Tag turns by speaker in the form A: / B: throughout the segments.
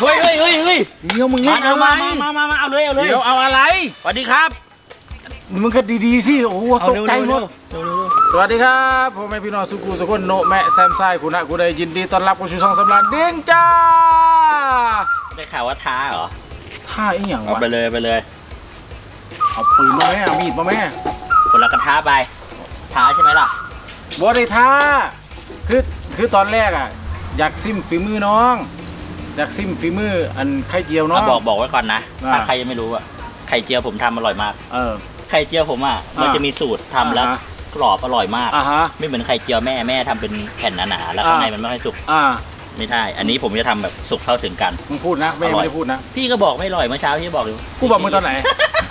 A: เฮ้ย
B: เดี๋ยวมึงเล่นเอาไหม
A: มาเอาเลยเดี๋ยว
B: เอาอะไร
A: สวัสดีครับ
B: มึงก็ดีๆสิโอ้โหตกใจหมดสวัสดีครับผมแม่พี่น้องสุกูสุคนโนแม่แซมไซคุณะกูได้ยินดีต้อนรับกูชูช่องสำราญเด้งจ้า
A: ได้ข่าวว่าท้าเหรอ
B: ท่าอีหยังวะ
A: เอาไปเลย
B: เอาปืนมาแม่เอามีดมาแม่
A: คนละกระท้าไปท้าใช่ไหมล่ะ
B: บ่ได้ท้าคือตอนแรกอ่ะอยากซิมฝีมือน้องอยากซิมฝีมืออันไข่เจียวน้อง
A: บอกไว้ก่อนนะถ้าใครยังไม่รู้อ่ะไข่เจียวผมทำอร่อยมากไข่เจียวผมอ่ะมันจะมีสูตรทำแล้วกรอบอร่อยมากไม่เหมือนไข่เจียวแม่ทำเป็นแผ่นหนาๆแล้วข้างในมันไม่ค่อยสุกไม่ใช่อันนี้ผมจะทำแบบสุกเข้าถึงกัน
B: มึงพูดนะไม่ได้พูดนะ
A: พี่ก็บอกไม่อร่อยเมื่อเช้าพี่บอกอยู่
B: กูบอกมึงตอนไหน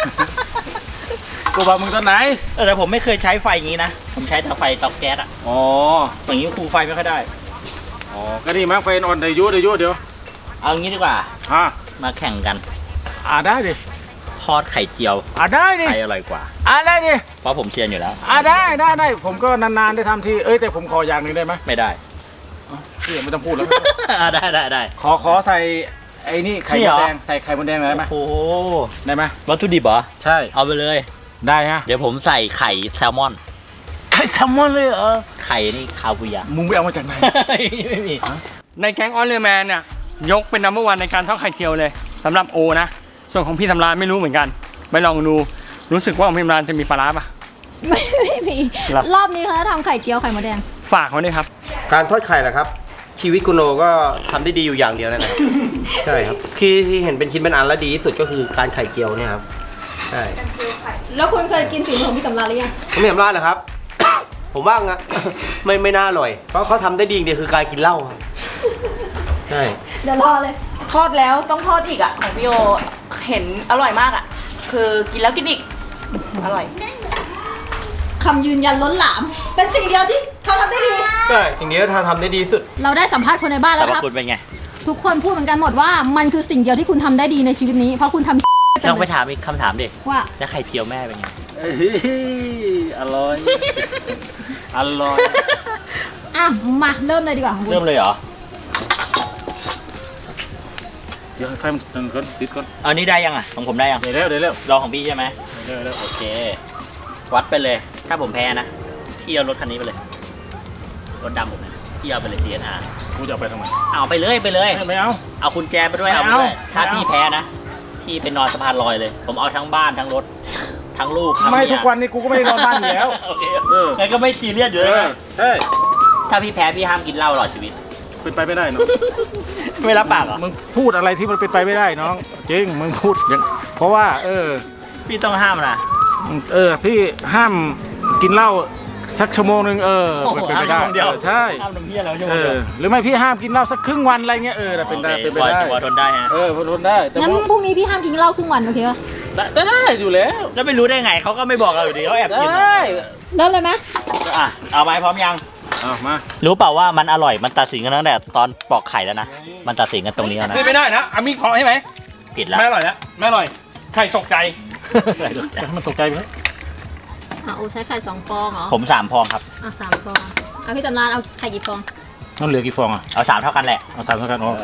B: กูบอกมึงตอนไหน
A: แต่ผมไม่เคยใช้ไฟอย่างนี้นะผมใช้แต่ไฟเตาแก๊สอ่ะ
B: อ๋อ
A: อย่างนี้คูไฟไม่ค่อยได้
B: อ๋อก็ดีมากไฟอ่อนเดี๋ยว
A: เอางี้ดีกว่ามาแข่งกัน
B: ได้ดิ
A: ทอดไข่เจียว
B: ได้ดิ
A: ใครอร่อยกว่า
B: ได้ดิ
A: เพราะผมเชียร์อยู่แล้ว
B: ได้ผมก็นานๆได้ทำทีแต่ผมขออย่างหนึ่งได้ไหม
A: ไม่ได้
B: พี่ไม่ต้องพูดแล้ว
A: ได้
B: ขอใส่ไอ้นี่ไข่มดแดงใส่ไข่มดแดงได้ไหม
A: โอ้
B: ได้ไหม
A: วัตถุดิบเหรอ
B: ใช่
A: เอาไปเลย
B: ได้ฮะ
A: เดี๋ยวผมใส่ไข่แซลมอน
B: เลยเหรอ
A: ไข่นี่คาบูยา
B: มึงไปเอามาจากไหน
A: ไม่มี
C: ในแก๊งออสเรแมนเนี่ยยกเป็นนัมเบอร์วันในการทอดไข่เจียวเลยสำหรับโอนะส่วนของพี่สำราญไม่รู้เหมือนกันไปลองดูรู้สึกว่าของพี่สำราญจะมีปลาร้าปะ
D: ไม่มีรอบนี้เขาจะทำไข่เจียวไข่มดแดง
C: ฝากเขาด้วยครับ
E: การทอดไข่แหละครับชีวิตคุณโนก็ทำได้ดีอยู่อย่างเดียวนั่นแหละ ใช่ครับที่เห็นเป็นชิ้นเป็นอันและดีที่สุดก็คือการไข่เจียวเนี่ยครับใช่
D: แล้วคุณเคยกินฝีมือของพี่สำราญหรือยัง
E: ผมไม่สำราญเหรอครับ ผมว่างั้น ไม่น่าอร่อยเพราะเขาทำได้ดีอย่างเดียวคือการกินเหล้าครับใช่
D: เดี๋ยวรอเลย
F: ทอดแล้วต้องทอดอีกอ่ะของพี่โอเห็นอร่อยมากอ่ะคือกินแล้วกินอีกอร่อย
D: คำยืนยันล้นหลามเป็นสิ่งเดียวที่เขาทำได้ดี
E: ใช่สิ่งเดียวทำได้ดีสุด
D: เราได้สัมภาษณ์คนในบ้านแล้วครับ
A: คุณเป็นไง
D: ทุกคนพูดเหมือนกันหมดว่ามันคือสิ่งเดียวที่คุณทำได้ดีในชีวิตนี้เพราะคุณทำ
A: ต้องไปถามอีกคำถามดิ
D: ว่า
A: แล้วไข่เจียวแม่เป็นไง
B: อร่อย
D: มาเริ่มเลยดีกว่า
A: เริ่มเลยเหรอ
B: เดี๋ยวไฟมันตึงก่อนติดก่อน
A: เอานี่ได้ยังอ่ะของผมได้ยัง
B: เดี๋ยว
A: รอของพี่ใช่ไหมโอเควัดไปเลยถ้าผมแพ้นะพี่เอารถคันนี้ไปเลยรถดำผมนะพี่เอาไปเลย CNR
B: กูจะเอาไปทำไม
A: เอาไปเลย
B: ไม่เอา
A: คุณแจไปด้วยเอาไปด้วยถ้าพี่แพ้นะพี่ไปนอนสะพานลอยเลยผมเอาทั้งบ้านทั้งรถทั้งลูก
B: ไม่ทุกวันนี้กูก็ไม่ได้นอนบ้านอยู่แล้ว
A: โอเคงั้นก็ไม่ซีเรียสอยู่เลยถ้าพี่แพ้พี่ห้ามกินเหล้าตลอดชีวิต
B: เป็นไปไม่ได้เนาะ
A: ไม่รับปากเหรอ
B: มึงพูดอะไรที่มันเป็นไปไม่ได้น้องจริงมึงพูดอย่างเพราะว่า
A: พี่ต้องห้ามนะ
B: พี่ห้ามกินเหล้าสักชั่วโมงนึงเป็นไปได้ใช่
A: ห้ามน้ำเพี้ยแล้วชั่วโมง
B: หรือไม่พี่ห้ามกินเหล้าสักครึ่งวันอะไรเงี้ยเป็นไปได้
A: พอทนได้ฮะ
B: ทนได้
D: งั้นพรุ่งนี้พี่ห้ามกินเหล้าครึ่งวันโอเคป่ะ
B: ได้อยู่แล้ว
A: แล้วไม่รู้ได้ไงเขาก็ไม่บอกเราอยู่ดีเขาแอบกิน
D: เริ่มเลยไหม
A: เอาไหมพร้อมยัง
B: มา
A: รู้เปล่าว่ามันอร่อยมันตัดสินกันตั้งแต่ตอนปอกไข่แล้วนะมันตัดสินกันตรงนี้แล้วนะ
C: ไม่ได้นะมีพอใช่ไหม
A: ผิดแล้ว
C: ไม่อร่อยแล้วไม่อร่อยไข่ตกใจ
B: มันตกใจไหม
D: โอ้ใช้ไข่2 ฟองเหรอ
A: ผม3 ฟองครับ
D: 3 ฟองพี่จำรานเอาไข่กี่ฟอง
B: ต้องเหลือกี่ฟอง
A: เอา3 เท่ากันแหละ
B: เอา3 เท่ากันโอเค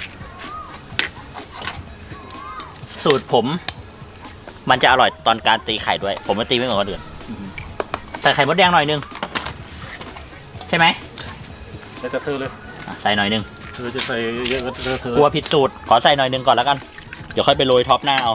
A: สูตรผมมันจะอร่อยตอนการตีไข่ด้วยผมจะตีไม่เหมือนคนอื่นใส่ไข่มดแดงหน่อยนึงใช่ไหม
B: แล้วจะเธอเลย
A: ใส่หน่อยนึง
B: เธอจะใส่เยอะก็เธอก
A: ลัวผิดสูตรขอใส่หน่อยนึงก่อนแล้วกันเดี๋ยวค่อยไปโรยท็อปหน้าเอา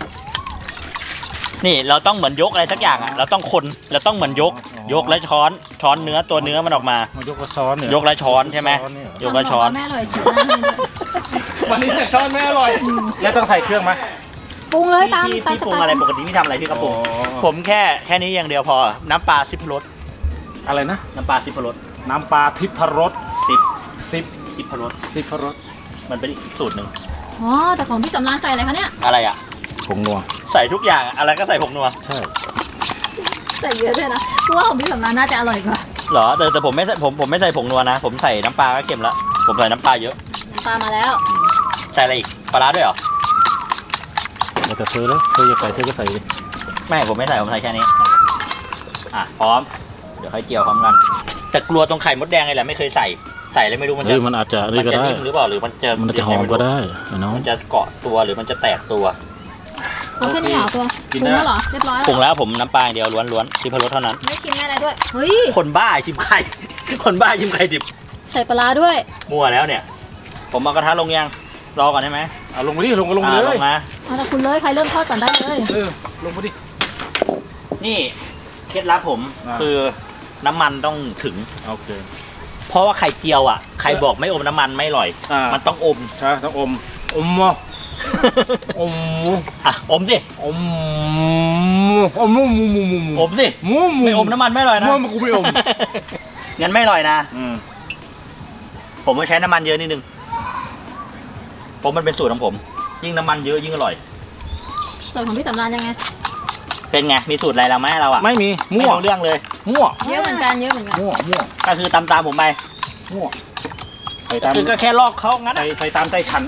A: นี่เราต้องเหมือนยกอะไรสักอย่างเราต้องคนเราต้องเหมือนยกแล้วช้อนเนื้อตัวเนื้อมันออกมาย
B: กแล้วช้อน
A: ยกแล้วช้อนใช่ไหมยกแล้วช้อน
D: แม่อร่อย
C: วันนี้ช้อนแม่อร่อย
B: แล้วต้องใส่เครื่องไหม
D: ปรุงเลยตาม
A: พี่ปรุงอะไรปกติพี่ทำอะไรพี่กระปุกผมแค่นี้อย่างเดียวพอน้ำปลา10 รส
B: อะไรนะ
A: น้ำปลา10 รส
B: น้ำปลาทิพรส
A: 10 รสมันเป็นอีกสูตรหนึ่ง
D: แต่ของพี่จำรานใส่อะไรคะเนี่ย
A: อะไรอ่ะ
B: ผงนัว
A: ใส่ทุกอย่างอะไรก็ใส่ผงนัว
B: ใช่
D: ใส่เยอะเลยนะเพราะว่าของพี่จำรานน่าจะอร่อยกว่า
A: เหรอแต่ผมไม่ใส่ผงนัวนะผมใส่น้ำปลาก็เค็มแล้วผมใส่น้ำปลาเยอะ
D: น้ำปลามาแล้ว
A: ใส่อะไรอีกปลาร้าด้วยเหรอ
B: แต่เธอเลยเธอจะใส่เธอก็ใส่ดิ
A: ไม่ผมไม่ใส่ผมใส่แค่นี้พร้อมเดี๋ยวค่อยเจียวพร้อมกันแต่กลัวตรงไข่มดแดงเลยแหละไม่เคยใส่ใส่แล้วไม่รู้มัน
B: เฮ้
A: จะ
B: ยมันอาจจะ
A: มั
B: นี่ก็
A: จะ
B: ได้
A: นิ่มหรือเปล่าหรือมันจะ
B: มันจะหอมก็ได้น้อง
A: มันจะเกาะตัวหรือมันจะแตกตัว
D: เอาแค่นี้เหรอตัวปรุงแล้วเหรอเรียบร้อยแล้ว
A: ปรุงแล้วผมน้ำปลาอย่างเดียวล้วนๆชิมพะโล้เท่านั้น
D: ไม่ชิมแม่อะไรด้วยเฮ้ย
A: คนบ้าชิมไข่ คนบ้าชิมไข่ดิบ
D: ใส่ปลาร้าด้วย
A: มั่วแล้วเนี่ย ผมเอากระทะลงยังรอก่อนได้ไหม
B: เอาลงไปดิลงก็ลงไป
A: อ่า
B: เล
A: ล
B: ย
A: งมา
D: เอาแต่คุณเลยใครเริ่มทอดก่อนได้เลย
B: ลงไปดิ
A: นี่เคล็ดลับผม
B: อ่า
A: คือน้ำมันต้องถึง
B: โอเค
A: เพราะว่าไข่เจียวอ่ะใครบอกไม่อมน้ำมันไม่อร่อย มันต้องอม
B: ใช่ต้องอมอ่ะอม
A: อ่ะอมสิ
B: อมมู
A: อมสิไม่อมน้ำมันไม่อร่อยนะ
B: มันกูไม่อม
A: งั้นไม่อร่อยนะ ผมไม่ใช้น้ำมันเยอะนิดนึงผมมันเป็นสูตรของผม ยิ่งน้ำมันเยอะยิ่งอร่อย
D: ส่วนของพี่สำรานยังไง
A: เป็นไงมีสูตรอะไรเราไหมเราอ่ะ
B: ไม่มี
A: ไม่
B: มั่ว
A: รู้เรื่องเลย
B: มั่ว
D: เยอะเหมือนกันเยอะเหมือนกัน
B: มั่ว
A: ก็คือตามผมไป
B: มั่วใส่
A: ก็
B: ตาม
A: คือก็แค่ลอกเขางั้น
B: ใส่ตามใจฉัน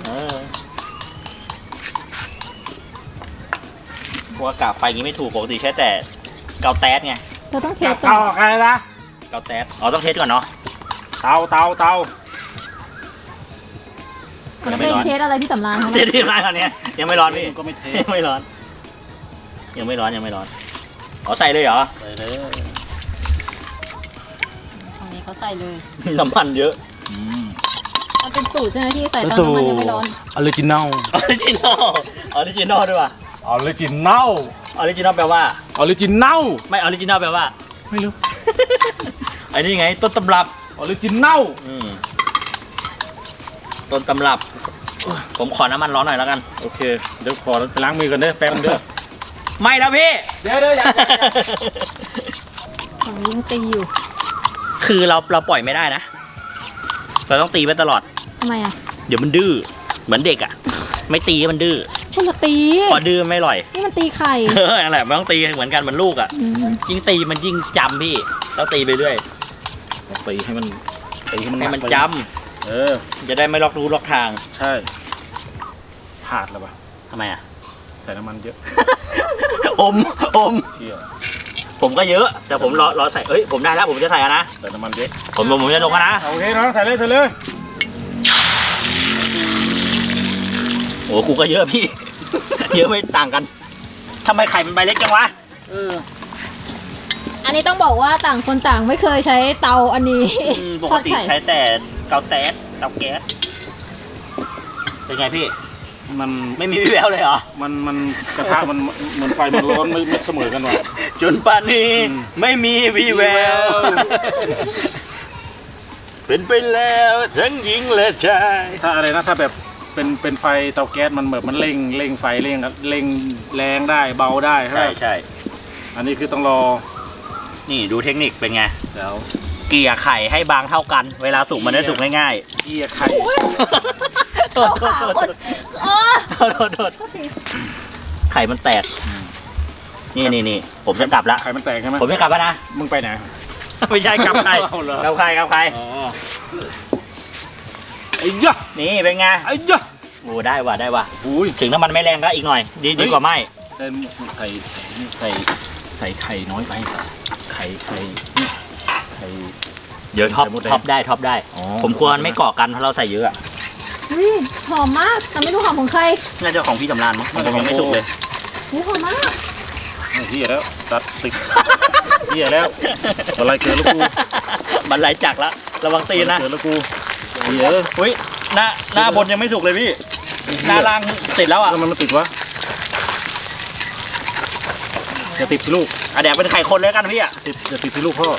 A: พวกกะไฟอย่างนี้ไม่ถูกปกติใช้แต่เกาแต๊สไง
D: เราต้องเทสก่
B: เตา
D: อน
B: อะไรนะ
A: เกาแต๊สอ๋อต้องเทสก่อนเนาะ
B: เตา
D: มันเป็นเทสอะไรพี่สำรานคะ
A: เทสที่ร้านตอนนี้ยังไม่ร้อนพี่
B: ก็ไม่เท
A: ยังไม่ร้อน ยังไม่ร้อนยังไม่ร้อนอ๋อใส่เลยเหรอ
B: ใส่เลย
D: ตรงนี้เขาใส่เลย
A: น้ำมันเยอะ
D: มันเป็นสูตรใช่ไหมที่ใส่ตอนน้ำมันยังไม่ร้อน
B: ออริจินัล
A: ออริจินอลออริจินอลด้วยป่ะ
B: ออริจินัล
A: ออริจินอลแปลว่า
B: ออริจินัล
A: ไม่ออริจินอลแปลว่า
B: ไม่รู้
A: อันนี้ไงต้นตำรับ
B: ออริจินัล
A: ต้นตำรับ ผมขอน้ำมันร้อนหน่อยแล้วกัน
B: โอเคเดี๋ยวขอไปล้างมือกันเด้อแป๊บนึงเด้อ
A: ไม่แล้วพี่
B: เดี๋ยวอย่า
D: ฝั่งนี้ยังตีอยู่
A: คือเราปล่อยไม่ได้นะ เราต้องตีไปตลอด
D: ทำไมอ่ะ
A: เดี๋ยวมันดื้อ เหมือนเด็กอ่ะ ไม่ตีมันดื้อ
D: คนละตี
A: พอดื้อไม่อร่อย
D: นี่มันตีไข่
A: นั่นแหละมันต้องตีเหมือนกันเหมือนลูกอ่ะ
D: อืม
A: ยิ่งตีมันยิ่งจำพี่ต้องตีไปเรื่อย
B: ตีให้มัน
A: ให้มันจ ำจะได้ไม่ล็อกรู้ล็อกทาง
B: ใช่พลาดแล้วป่ะ
A: ทำไมอ่ะ
B: ใส่น้ำมันเยอะ
A: อม
B: เชี่ย
A: ผมก็เยอะ แต่ผมรอใส่เอ้ยผมได้แล้วผมจะใส่แล้วนะ
B: ใส่น้ำมันเยอะ
A: ผมจะลงแล้วนะ
B: โอเคน้องใส่เลย
A: โอ้กูก็เยอะพี่ เยอะไม่ต่างกันทำไมไข่มันใบเล็กจังวะ
D: อันนี้ต้องบอกว่าต่างคนต่างไม่เคยใช้เตาอันนี้
A: ปกติใช้แต่เตาแก๊สเป็นไงพี่
B: มัน
A: ไม่มีวี่แววเลยเหรอ
B: มันกระทะมันเหมือนไฟมันร้อนไม่เสมอกันว่ะ
A: จนป่านนี้ ไม่มีวี่แวว เป็นไปแล้วทั้งหญิงและชาย
B: ถ้าอะไรนะถ้าแบบเป็นไฟเตาแก๊สมันแบบมันเร่งไฟเร่งแรงได้เบาได้
A: ใช่
B: อันนี้คือต้องรอ
A: นี่ดูเทคนิคเป็นไง
B: เดี๋ยว
A: เกลี่ยไข่ให้บางเท่ากัน เวลาสุกมันได้สุกง่าย
B: เกี่ยไข่
A: ๆโทษ
D: อ๋อ
A: ไข่มันแตก นี่ผมจะกลับละ
B: ไข่มันแตกใช่ไหม
A: ผมจะกลับแล้วนะ
B: มึงไปไหน
A: ไม่ใช่กลับใคร
B: เอาเหรอ
A: กลับใคร
B: อ๋อไอ้ยะ
A: นี่เป็นไง
B: ไอ้ยะ
A: โอ้ได้ว่ะ
B: อุ้ย
A: ถึงน้ำมันไม่แรงก็อีกหน่อย ดีกว่าไม่
B: ใส่ไข่น้อยไปไข่
A: เดี๋ยวท็อป
B: ไข่มดแดง
A: ท็อปได้
B: อ๋อ
A: ผมควรไม่เกาะกันเพราะเราใส่เยอะอะ
D: อุ๊ยหอมมาก แต่ไม่รู้หอมของใคร
A: น่าจะของพี่สำรานมั้งมันยังไม่สุกเลย
D: อุ๊ยหอมมาก
B: เหี้ยแล้วตัดติดเหี้ยแล้วอะไรเกิดแล้วกู
A: มันไหลจักละระวังตีนนะ
B: เกิดแล้วกูเหี้ย
A: อุ้ยหน้าบนยังไม่สุกเลยพี่ หน้าล่างติดแล้วอ่ะ
B: แล้วมันติดวะอย่าติดสิลูก
A: แดกเป็นไข่คนเลยกันพี่อ่ะ
B: อย่าติดสิลูกพ่อ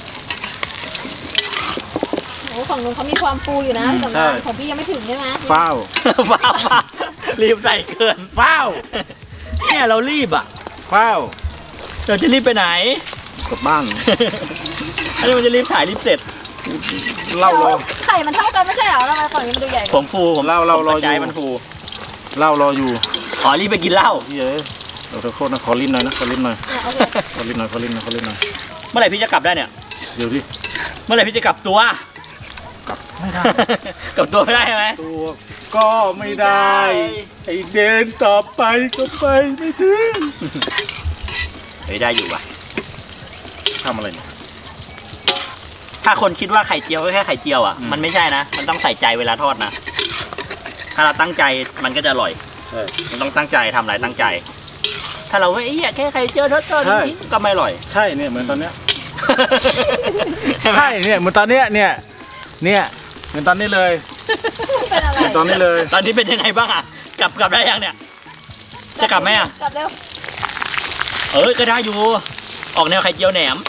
D: โอ้ฝั่งนู้นเขามีความฟูอยู่นะพี่สำราน
B: ใช่
D: ของพี่ยังไม่ถึงใช่ไหม
B: ฟ้าว
A: ฟ้าวรีบใส่เกินฟ้าวเนี่ยเรารีบอ่ะ
B: ฟ้าว
A: เราจะรีบไปไหน
B: กลับบ้าน
A: อันนี้มันจะรีบถ่ายรีบเสร็จ
B: เล่ารอ
D: ไข่มันเท่ากันไม่ใช่เหรอทำไมฝั่งนี้มันดูใหญ่ก
A: ผ
D: ว่า
A: มฟูผม
B: เล่า
A: ผม
B: รอ
A: ตกใจ
B: อยู่
A: มันฟู
B: เล่ารออยู่
A: ขอรีบไปกินเหล้า
B: เหี้ยเดี๋ยวขอโทษนะขอลิ้นหน่อยนะขอลิ้นหน่อย
D: อ่ะโอเค
B: ขอลิ้นหน่อยขอลิ้นหน่อยขอลิ้นหน่อย
A: เมื่อไหร่พี่จะกลับได้เนี่ย
B: เดี๋ยวดิ
A: เมื่อไหร่พี่จะกลับตัว
B: กลับไม่ได้
A: กลับตัวไม่ได้ใช่ไหม
B: ตัวก็ไม่ได้ไอเดินต่อไปก็ไปไม่ถึง
A: เฮ้ยได้อยู่ว่ะ
B: ทำอะไรเนี่ย
A: ทถ้าคนคิดว่าไข่เจียวก็แค่ไข่เจียวอ่ะมันไม่ใช่นะมันต้องใส่ใจเวลาทอดนะถ้าเราตั้งใจมันก็จะอร่อยมันต้องตั้งใจทำอะไรตั้งใจ ถ้าเราว่าแค่ไข่เจียวทอดก็ไม่อร่อย
B: ใช่เนี่ยเหมือนตอนเนี้ยใช่เนี่ยเหมือนตอนเนี้ยเนี่ยเหมือนตอนนี้เลย
D: เป็นอะไร
B: เหมือนตอนนี้เลย
A: ตอนนี้เป็นยังไงบ้างอ่ะกลับได้ยังเนี่ยจะกลับไหมอ่ะ
D: กลับเร็ว
A: ก็ได้อยู่ออกแนวไข่เจียวแหนม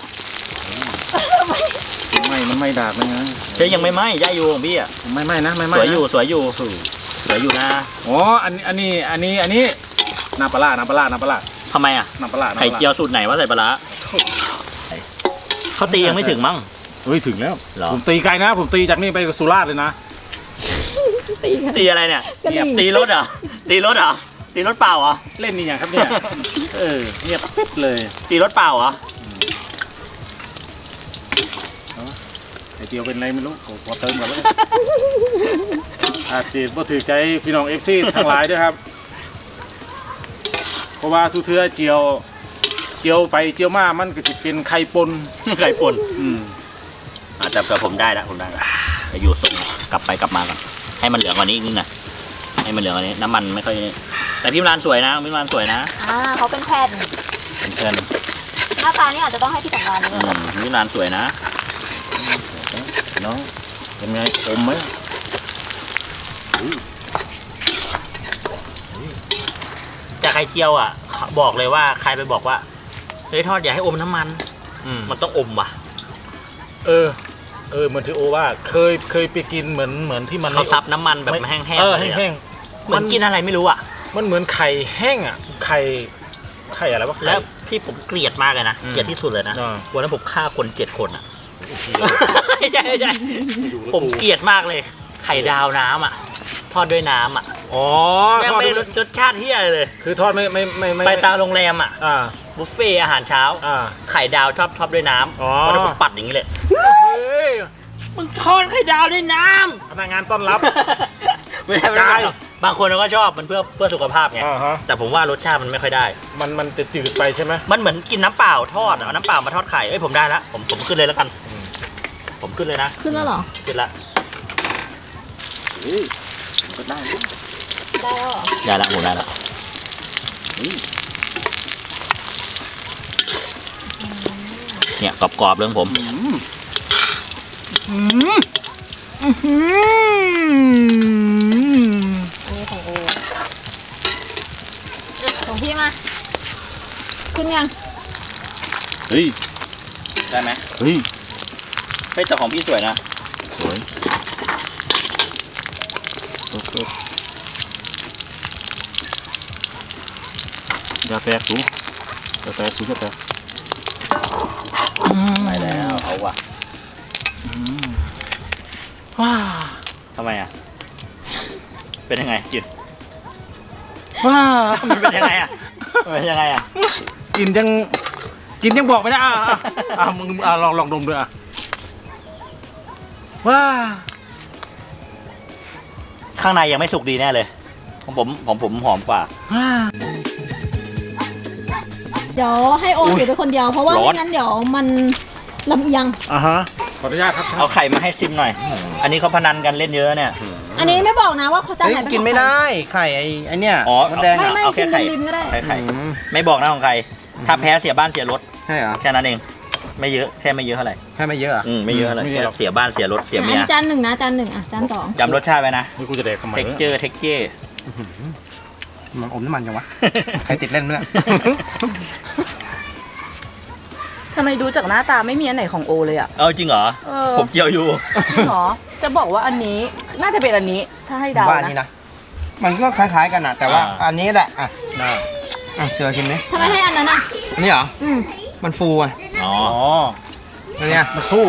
B: มันไม่ดาบเลยนะ
A: เฮ้ยยังไม่ไหม้ได้อยู่ของพี่อ่ะ
B: ไม่นะไม่
A: สวยอยู่สวยอยู่นะ
B: อ๋ออันนี้น้ำปลาร้า
A: ทำไมอ่ะ
B: น้ำปลาร้า
A: ไข่เจียวสูตรไหนว่าใส่ปลาร้าเขาตียังไม่ถึงมั้ง
B: เฮ้ยถึงแล้ว
A: เหรอ
B: ผมตีไกลนะ ผมตีจากนี่ไปสุราษฎร์เลยนะ
D: ตีกัน
A: ตีอะไรเนี่ย
D: กะหรี่
A: ตีรถเหรอตีรถเปล่าเหรอ
B: เล่นนี่อย่างครับเนี่ยเงียบปิ๊บเลย
A: ตีรถเปล่าเหรอ
B: ไข่เจียวเป็นไรไม่รู้ขอเติมก่อนแล้วอาจจะบ่ถือใจพี่น้อง FC ทั้งหลายด้วยครับเพราะว่าสุเทือเจียวไปเจียวมามันก็จะเป็นไข่ปน
A: ไข่ป่นแต่ผมได้ละจะอยู่ทรงกลับไปกลับมาก่อนให้มันเหลืองกว่านี้อีกนิดหน่อยให้มันเหลืองกว่านี้น้ำมันไม่ค่อยแต่พี่ร้านสวยนะ
D: เขาเป็นแผ่น
A: เป็นเพื่อน
D: หน้าตานี่อาจจะต้องให้พี่สำราญด้วย
A: พี่ร้านสวยนะ
B: น้องเป็นไงอมไหม
A: แต่ไข่เจียวอ่ะบอกเลยว่าใครไปบอกว่าเฮ้ยทอดอย่าให้อมน้ำมันมันต้องอมว่ะ
B: เหมือนที่โอว่าเคยไปกินเหมือนที่มัน
A: เขาซับน้ำมันแบบแห้งๆ
B: แห้ง
A: เหมือนกินอะไรไม่รู้อ่ะ
B: มันเหมือนไข่แห้งอ่ะไข่อะไรวะ
A: แล้วที่ผมเกลียดมากเลยนะเกลียดที่สุดเลยนะ
B: อ่า
A: วันนั้นผมฆ่าคน7 คนอ่ะใช่ผมเกลียดมากเลย ไข่ดาวน้ำอ่ะทอดด้วยน้ำอ่ะ
B: อ๋อ
A: แม่ง
B: ทอด
A: ไม่ได้รสชาติเที่ยเลย
B: คือทอดไม่
A: ไปตามโรงแรมอ่ะ
B: อ่า
A: บุฟเฟ่อาหารเช้า ไข่ดาวทอดด้วยน้ำ
B: อ๋อ
A: วันนั้นผมปัดอย่างนี้เลย
B: เฮ้ย
A: มึงทอดไข่ดาวด้วยน้
B: พนักงานต้อนรับ
A: ำไม่ได้บางคนเขาก็ชอบมันเพื่อสุขภาพไง
B: อ่าฮะ
A: แต่ผมว่ารสชาติมันไม่ค่อยได้
B: มันจะจืดไปใช่ไหม
A: มันเหมือนกินน้ำเปล่าทอดเอาน้ำเปล่ามาทอดไข่ผมได้ละผมขึ้นเลยแล้วกัน ผมขึ้นเลยนะ
D: ขึ้นแล้วเหรอ
A: ขึ้นละ
B: ก็ได้
D: ได้แล้วเหรอ
A: ได้ละหมูได้ละเนี่ยกรอบๆเรื่องผม
D: อันนี้ของโอของพี่มา ขึ้นยัง
B: เฮ้ย
A: ได้ไหม
B: เฮ้ย
A: เฮ้ยแต่ของพี่สวยนะ
B: สวยอย่าแตกสูจะแตก
A: ไปแล้วเอาว่ะ
B: ว้า
A: ทำไมอ่ะเป็นยังไงกิน
B: ว้า
A: มันเป็นยังไงอ่ะมันเป็นยังไงอ่ะ
B: กินยังบอกไม่ได้มึงลองดมด้วยว้า
A: ข้างในยังไม่สุกดีแน่เลยของผมหอมกว่า
D: เดี๋ยวให้โอถือไปคนเดียวเพราะว่า
A: ร้อน
D: ไม่งั้นเดี๋ยวมันลำเอียง
B: ฮะขออนุญาตครับ
A: เอาไข่มาให้ซิมหน่อย อันนี้เขาพนันกันเล่นเยอะเนี่ย
D: อันนี้ไม่บอกนะว่าเขาจะ
E: เฮ้ย
D: ไหนเป็น
E: กินไม่ได้ไข่ไอเนี่ย
A: อ๋อ
E: มดแดง
D: ไม่
E: อ่ะ
D: ไม่
A: เอาแค่
D: ชิม
A: ไข่
D: ริมๆก็ได้
A: ไข่ไม่บอกนะของใคร ถ้าแพ้เสียบ้านเสียรถ
E: ใช่เหรอ
A: แค่นั้นเอง ไม่เยอะแค่ไม่เยอะเท่าไหร่
E: แค่ไม่เยอะเหรอ
A: ไม่เยอะเท่าไหร่แค่เสียบ้านเสียรถเสียเมีย
D: จานหนึ่งนะจานหนึ่งอ่ะจานสอง
A: จำรสชาติไว้นะ
B: นี่กูจะแดกทำไม
A: เท็กเจอร์
E: มันอมน้ำมันจังวะ ใครติดเล่นมั้ย
F: ทำไมดูจากหน้าตาไม่มีอันไหนของโอเลยอ่ะ
A: เอาจริงเหรอ ผมเจียวอยู่
F: หรอ จะบอกว่าอันนี้น่าจะเป็นอันนี้ ถ้าให้เดา
E: บ้านนี้
F: นะ
E: นะ มันก็คล้ายๆกันนะแต่ว่า
A: อ่า
E: อันนี้แหละ อ่ะ
A: น่า
E: เชื่อชิมดิ
D: ทำไมให้อันนั้นอ่ะ
E: อันนี้เหรอ
D: อืม
E: มันฟูอ่ะ
A: อ๋อ
E: อันเนี้ย
B: มันสู้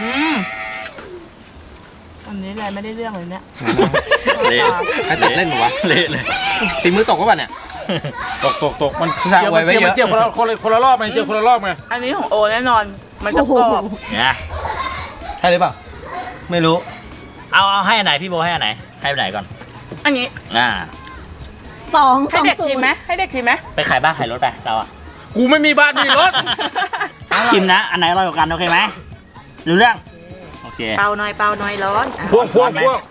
F: อันนี้อะไรไม่ได้เรื่องเลยเนี่ย
A: เละ
E: ใครติดเล่นหรอวะ
A: เละเลย
E: ตีมือตกก็ป่ะเนี่ย
B: ตกมัน
E: พี่ชายเอาไว้ไว้เยอะ
B: เจียวคนละรอบไงเจียวคนละรอบไง
F: อันนี้ของโอแน่นอน มันจะกรอบ
A: เนี่ย
E: ใช่หรือเปล่า ไม่รู้
A: เอาให้อันไหนพี่โบให้อันไหน ให้อันไหนก่อน
F: อันนี้
D: สอง
F: ให้เด็กชิมไหมให้เด็กชิมไหม
A: ไปขายบ้านขายรถไปเราอะ
B: กูไม่มีบ้านมีรถ
A: ชิมนะ อันไหนอร่อยกว่ากันโอเคไหมรู้เรื่องโอเค
F: เปล่าหน่อยร้อนอ่ะ
B: พวก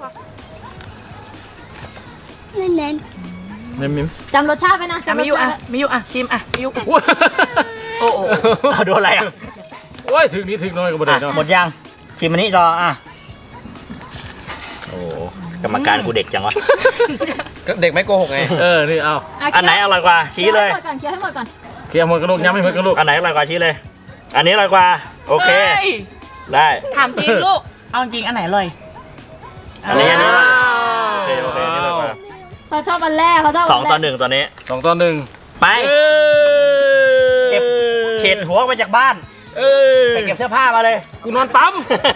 G: นั่นแน่
B: มิม
D: จำรสชาติไว้นะ
F: อ่ะ
D: จำร
F: มิ
D: ส
F: ยุ
D: ชา
F: อ่ะ
D: ติ
F: มิยุอ่ะชิมอ่ะมิยุ
B: โอ้โห
A: เอาโดนอะไรอ่ะ
B: โอ้ยถึงนี้ถึงน้อยก็บ่ได้เนาะ
A: หมดยังชิมอันนี้ต่ออ่ะโอ้กรรมการกูเด็กจังวะ
E: เด็กไม่โกหกไง
B: นี่เอา
A: อันไหนอร่อยกว่าชี้เลย
D: เคี้ยวให้หมดก่อน
B: เคี่ยวหมดกระดูกย้ำให้หมดกระดูก
A: อันไหนอร่อยกว่าชี้เลย อันนี้อร่อยกว่า โอเค
F: ฮ้ย
A: ได้
F: ถามจริงลูก เอาจริงอันไหนอร่อย
A: อันนี้
B: ว้าว
A: โอเคอันนี้อร่อยกว่า
D: เขาชอบอันแรกเขาชอบ
A: สองต่อหนึ่งตอนนี้
B: 2-1
A: ไป
B: เอ้ย
A: เก็บเฉดหัวไปจากบ้าน
B: เอ้ย
A: ไปเก็บเสื้อผ้ามาเลย
B: กูนอนปั๊ม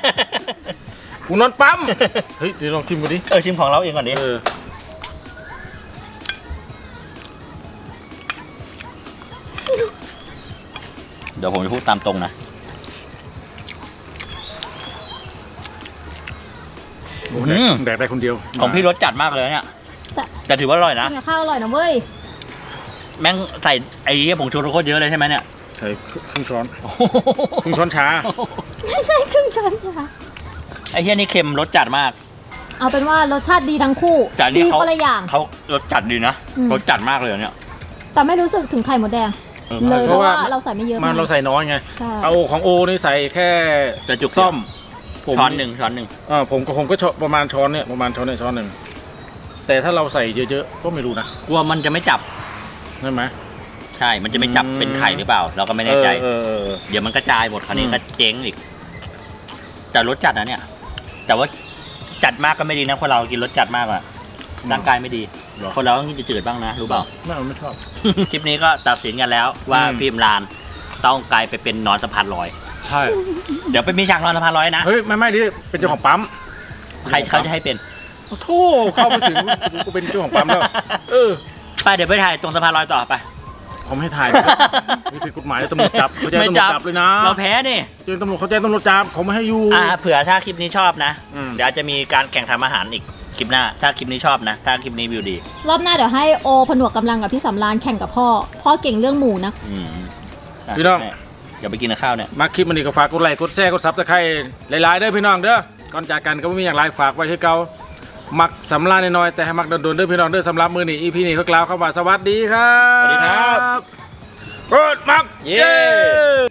B: เฮ้ยเดี๋ยวลองชิมกูดิ
A: ชิมของเราเองก่อนดิเดี๋ยวผมจะพูดตามตรงนะ
B: แดกได้คนเดียว
A: ของพี่รสจัดมากเลยเนี่ย แต่ถือว่าอร่อยนะ
D: กินกับข้าวอร่อยนะเว้ย
A: แม่งใส่ไอ้ผงชูรสโคตรเยอะเลยใช่ไหมเนี่ย
B: ใส่ครึ่งช้อนครึ่งช้อนชา
D: ไม่ใช่ครึ่งช้อนจ้ะ
A: ไอ้เฮียนี่เค็มรสจัดมาก
D: เอาเป็นว่ารสชาติดีทั้งคู่
A: แต่อัน
D: ดี
A: นี่เขา
D: คนละอย่าง
A: เขารสจัดดีนะ
D: อืม
A: รสจัดมากเลยเนี่ย
D: แต่ไม่รู้สึกถึงไข่มดแดง เลยเพราะว่าเราใส่ไม่เยอะ
B: มันเราใส่น้อยไง
D: ใช่
B: เอาของโอนี่ใส่แค่
A: จะจุก
B: ซ่อม
A: ช้อนหนึ่ง
B: ผมก็ประมาณช้อนเนี่ยประมาณช้อนหนึ่งแต่ถ้าเราใส่เยอะๆก็ไม่รู้นะ
A: กลัวมันจะไม่จับ
B: ใช่ไหม
A: ใช่ มันจะไม่จับเป็นไข่หรือเปล่า เราก็ไม่แน่ใจ
B: เออ
A: เดี๋ยวมันกระจายหมดคราวนี้
B: อืม
A: ก็เจ๊งอีก แต่รสจัดนะเนี่ย แต่ว่าจัดมากก็ไม่ดีนะคนเรากินรสจัดมากอะร่างกายไม่ดี คนเราต้องกินจืดๆบ้างนะรู้เปล่า
B: ไม่ชอบ
A: คลิปนี้ก็ตัดสินกันแล้วว่า
B: อืม
A: พิมพ์ลานต้องกลายไปเป็นนอนสะพานลอย
B: ใช่
A: เดี๋ยวไปมีฉากนอนสะพานลอยนะ
B: เฮ้ยไม่ดิเป็นเจ้าของปั๊ม
A: ใครเขาจะให้เป็น
B: โอ้โธ่เข้ามาถึงกูเป็นเจ้าของปั๊มแล้ว
A: ไปเดี๋ยวไปถ่ายตรงสะพานลอยต่อไป
B: ผมให้ถ่ายนี่ผิดกฎหมายตำรวจจับเขาแจ้งตำรวจจับเลยนะ
A: เราแพ้นี่
B: แจ้งตำรวจเขาแจ้งตำรวจจับเขาไม่ให้อยู่
A: เผื่อถ้าคลิปนี้ชอบนะ
B: อืม
A: เดี๋ยวจะมีการแข่งทำอาหารอีกคลิปหน้า ถ้าคลิปนี้ชอบนะ ถ้าคลิปนี้วิวดี
D: รอบหน้าเดี๋ยวให้โอผนวกกำลังกับพี่สำรานแข่งกับพ่อ พ่อเก่งเรื่องหมูนะ
B: พี่น้อง
A: อย่าไปกินข้าวเนี่ย
B: มาคลิปมันนี่ก็ฝากกดไลค์กดแชร์กดซับสไครต์หลายๆเด้อพี่น้องเด้อก่อนจากกันก็ไม่มีอย่างไรฝากไว้ให้เก่ามักสำราญน้อยๆแต่ให้มักโดนๆเด้อพี่น้องเด้อสำหรับมือนี้ EP นี้เขากล่าวคำว่าสวัสดีครับ
A: สวัสดีครับ
B: กดมัก
A: เย้